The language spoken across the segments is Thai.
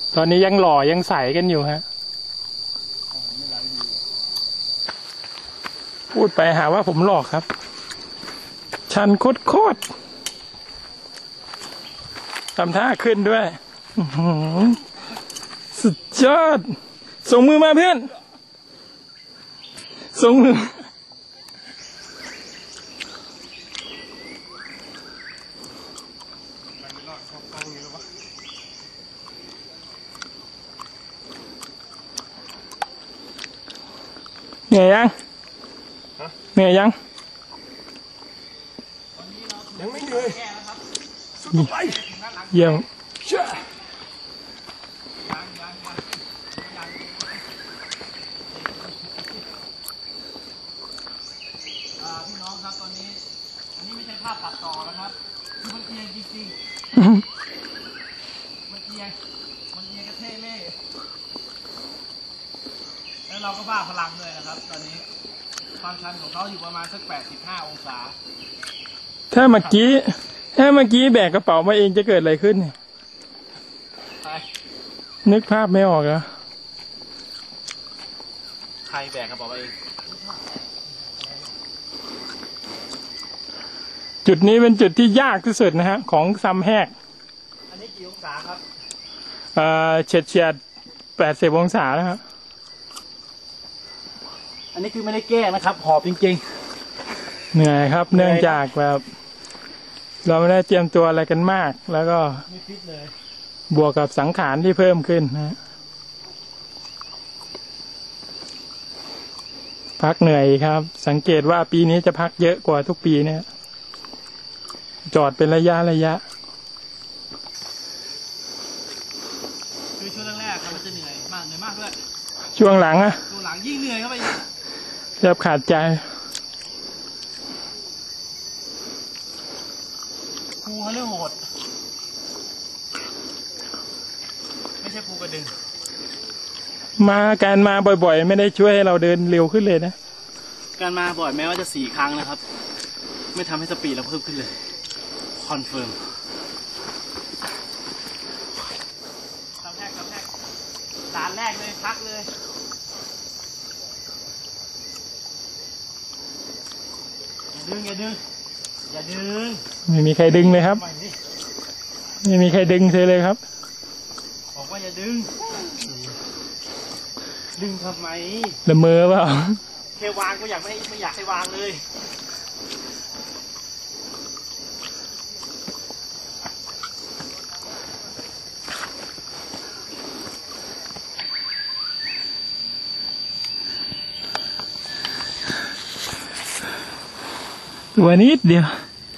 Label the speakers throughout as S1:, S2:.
S1: ตอนนี้ยังหล่อยังใสกันอยู่ฮะพูดไปหาว่าผมหลอกครับชันโคตรทำท่าขึ้นด้วยสุดยอดส่งมือมาเพื่อนส่งมือเหนื่อยยังเหนื่อยยัง
S2: ไม่เหนื่อย
S1: เยี่ยม
S2: พี่น้องครับตอนนี้อันนี้ไม่ใช่ภาพตัดต่อนะครับมันเอียงจริงๆมันเอียงกระเทเล่แล้วเราก็บ้าพลังเลยนะครับตอนนี้ความชันของเขาอยู่ประมาณสัก85 องศา
S1: ถ้าเมื่อกี้แบกกระเป๋ามาเองจะเกิดอะไรขึ้นเนี่ยนึกภาพไม่ออกแล้ว
S2: ใครแบกกระเป๋ามาเอง
S1: จุดนี้เป็นจุดที่ยากที่สุดนะฮะของซัมแฮก
S2: อันนี้กี่องศาครับ
S1: เฉียด80 องศาแล้วครับ
S2: อันนี้คือไม่ได้แก้นะครับหอบจริง
S1: ๆเหนื่อยครับเนื่องจากแบบเราไม่ได้เตรียมตัวอะไรกันมากแล้วก็
S2: ไม่ฟิตเลย
S1: บวกกับสังขารที่เพิ่มขึ้นนะพักเหนื่อยครับสังเกตว่าปีนี้จะพักเยอะกว่าทุกปีเนี่ยจอดเป็นระยะ
S2: คือช่วงแรกๆครับมันจะเหนื่อยมากด้วย
S1: ช่วงหลัง
S2: ยิ่งเหนื่อยเข้าไป
S1: แทบขาดใจ
S2: ภูเขาเรื่องโหดไม่ใช่ภูกระดึง
S1: การมาบ่อยๆไม่ได้ช่วยให้เราเดินเร็วขึ้นเลยนะ
S2: การมาบ่อยแม้ว่าจะ4 ครั้งนะครับไม่ทำให้สปีดเราเพิ่มขึ้นเลยคอนเฟิร์มคำแรกด่านแรกเลยพักเลยอย่าดึง
S1: ไม่มีใครดึงเลยครับไม่มีใครดึงเลยครับ
S2: บอกว่าอย่าดึงทำไม
S1: ละเมอเปล่า
S2: แค่วางก็ไม่อยากให้วางเลย
S1: ตัวนิดเดียว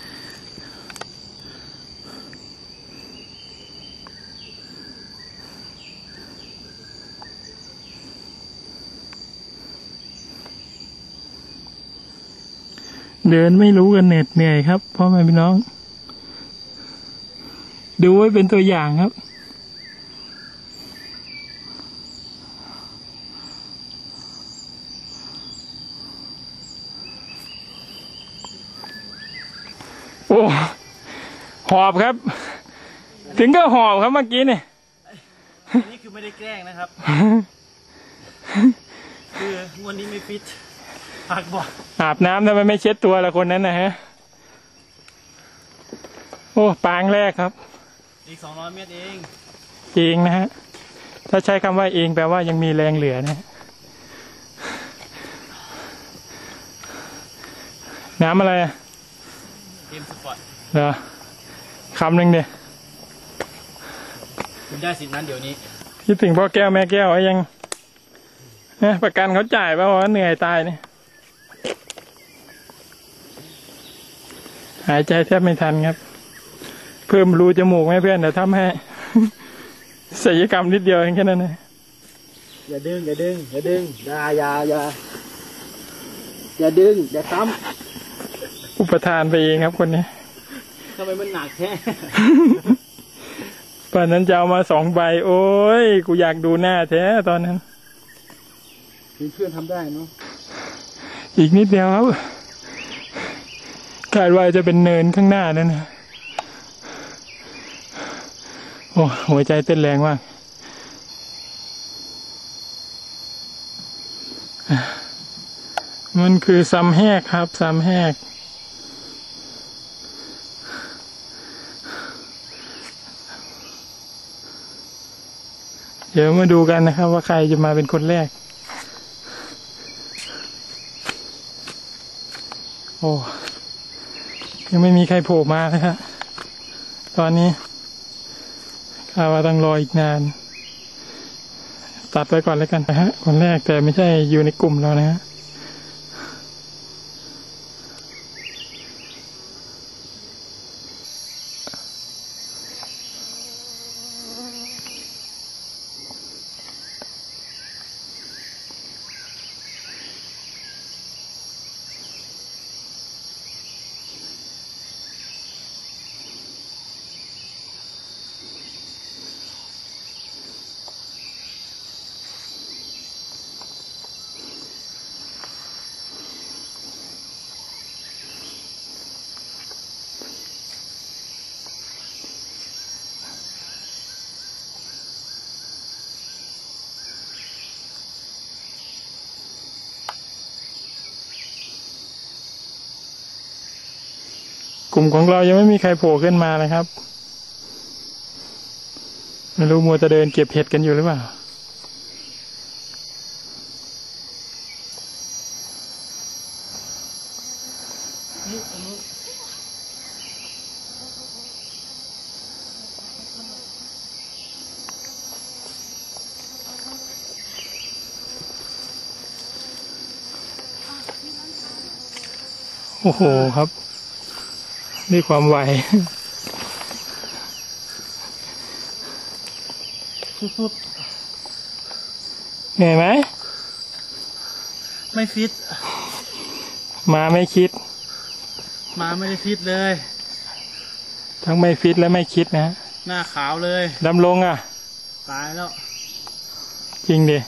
S1: เดินไม่รู้กันเหน็ดเหนื่อยครับพ่อแม่พี่น้องดูไว้เป็นตัวอย่างครับโอ้หอบครับถึงก็หอบครับเมื่อกี้เนี่ย
S2: นี่คือไม่ได้แกล้งนะครับคือวันนี้ไม่ฟิตพักบ่อย
S1: อาบน้ำทำไมไม่เช็ดตัวละคนนั้นนะฮะโอ้ปางแรกครับ
S2: อีก200 เมตรเอง
S1: นะฮะถ้าใช้คำว่าเองแปลว่ายังมีแรงเหลือนะน้ำอะไร
S2: เกมสปอร์ต
S1: เหรอคำหนึ่งเดียว
S2: คุณได้สิทธิ์นั้นเดี๋ยวนี้
S1: คิดถึงพ่อแก้วแม่แก้วยังประกันเขาจ่ายป่ะว่าเหนื่อยตายเนี่ยหายใจแทบไม่ทันครับเพิ่มรูจมูกให้เพื่อนเดี๋ยวทำให้ศัลยกรรมนิดเดียวเองแค่นั้นนะ
S2: อย่าดึงอย่าดึงอย่าดึงอย่าซ้
S1: ำอุปทานไปเองครับคนนี้
S2: ทำไมมันหนักแค่
S1: ป่านนั้นจะเอามา2 ใบโอ้ยกูอยากดูหน้าแท้ตอนนั้น
S2: เพื่อนทำได้เนาะ
S1: อีกนิดเดียวครับคาดว่าจะเป็นเนินข้างหน้านั่นนะโอ้หัวใจเต้นแรงมากมันคือซ้ำแหกครับซ้ำแหกเดี๋ยวมาดูกันนะครับว่าใครจะมาเป็นคนแรกโอ้ยังไม่มีใครโผล่มานะครับตอนนี้ข้าว่าต้องรออีกนานตัดไว้ก่อนแล้วกันนะฮะคนแรกแต่ไม่ใช่อยู่ในกลุ่มเรานะฮะกลุ่มของเรายังไม่มีใครโผล่ขึ้นมาเลยครับไม่รู้มัวจะเดินเก็บเห็ดกันอยู่หรือเปล่าโอ้โหครับด้วยความไว
S2: สุด
S1: เหนื่อยไหม
S2: ไม่ฟิต
S1: มาไม่คิด
S2: มาไม่ได้ฟิตเลย
S1: ทั้งไม่ฟิตและไม่คิดนะ
S2: หน้าขาวเลย
S1: ดำลงอ่ะ
S2: ตายแล้ว
S1: จริงดิ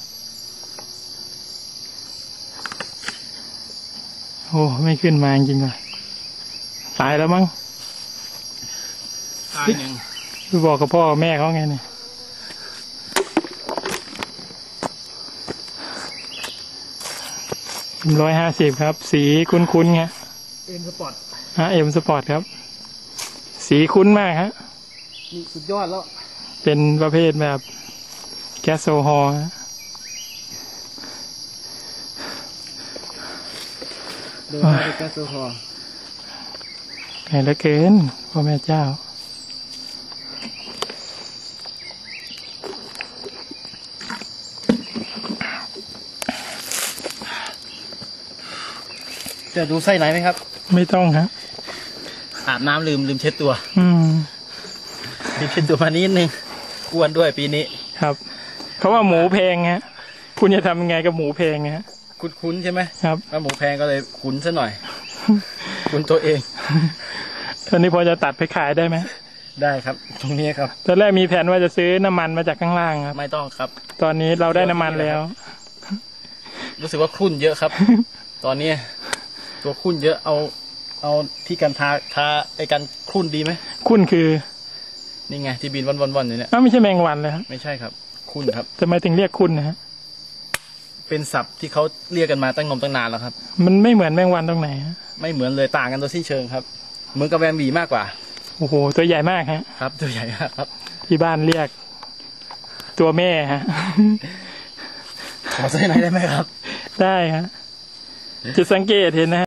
S1: โอ้ไม่ขึ้นมาจริงเลยตายแล้วมั้ง
S2: ตายหนึ่ง
S1: ไปบอกกับพ่อแม่เขาไงเนี่ย150ครับสีคุ้นๆไง
S2: เอ็มสปอร์ต
S1: เอ็มสปอร์ตครับสีคุ้นมากฮะ
S2: นี่สุดยอดแล้ว
S1: เป็นประเภทแบบแก๊สโซฮอล์
S2: เดินไปแก๊สโซฮอล์
S1: ไงเหลือเกินพ่อแม่เจ้า
S2: จะดูไส้ไหนไหมครับ
S1: ไม่ต้องครับ
S2: อาบน้ำลืมเช็ดตัวลืมเช็ดตัวมานิดนึงอ้วนด้วยปีนี้
S1: ครับเขาว่าหมูแพงฮะคุณจะทำยังไงกับหมูแพงฮะ
S2: คุ้นใช่ไหม
S1: ครับ
S2: ว่าหมูแพงก็เลยคุ้นซะหน่อยคุ้นตัวเอง
S1: ตอนนี้พอจะตัดไปขายได้ไหม
S2: ได้ครับตรงนี้ครับ
S1: ตอนแรกมีแผนว่าจะซื้อน้ำมันมาจากข้างล่างครับ
S2: ไม่ต้องครับ
S1: ตอนนี้เราได้น้ำมันแล้ว
S2: รู้สึกว่าครุ่นเยอะครับตอนนี้ตัวครุ่นเยอะเอาที่กันทาไอ้กันครุ่นดีไหม
S1: ครุ่นคือ
S2: นี่ไงที่บินวันอยู่เนี่ย
S1: ไม่ใช่แมงวันเลยครับ
S2: ไม่ใช่ครับครุ่นครับ
S1: ทำไมถึงเรียกครุ่นนะฮะ
S2: เป็นศัพท์ที่เขาเรียกกันมาตั้งนานแล้วครับ
S1: มันไม่เหมือนแมงวันตรงไหนฮะ
S2: ไม่เหมือนเลยต่างกันโดยสิ้นเชิงครับเหมือนกับแวมบีมากกว่า
S1: โอ้โหตัวใหญ่มากฮะ
S2: ครับตัวใหญ่มากครับ
S1: ที่บ้านเรียกตัวแม่ฮะ
S2: ขอใส่ไหนได้ไหมครับ
S1: ได้ฮะจะสังเกตเห็นนะ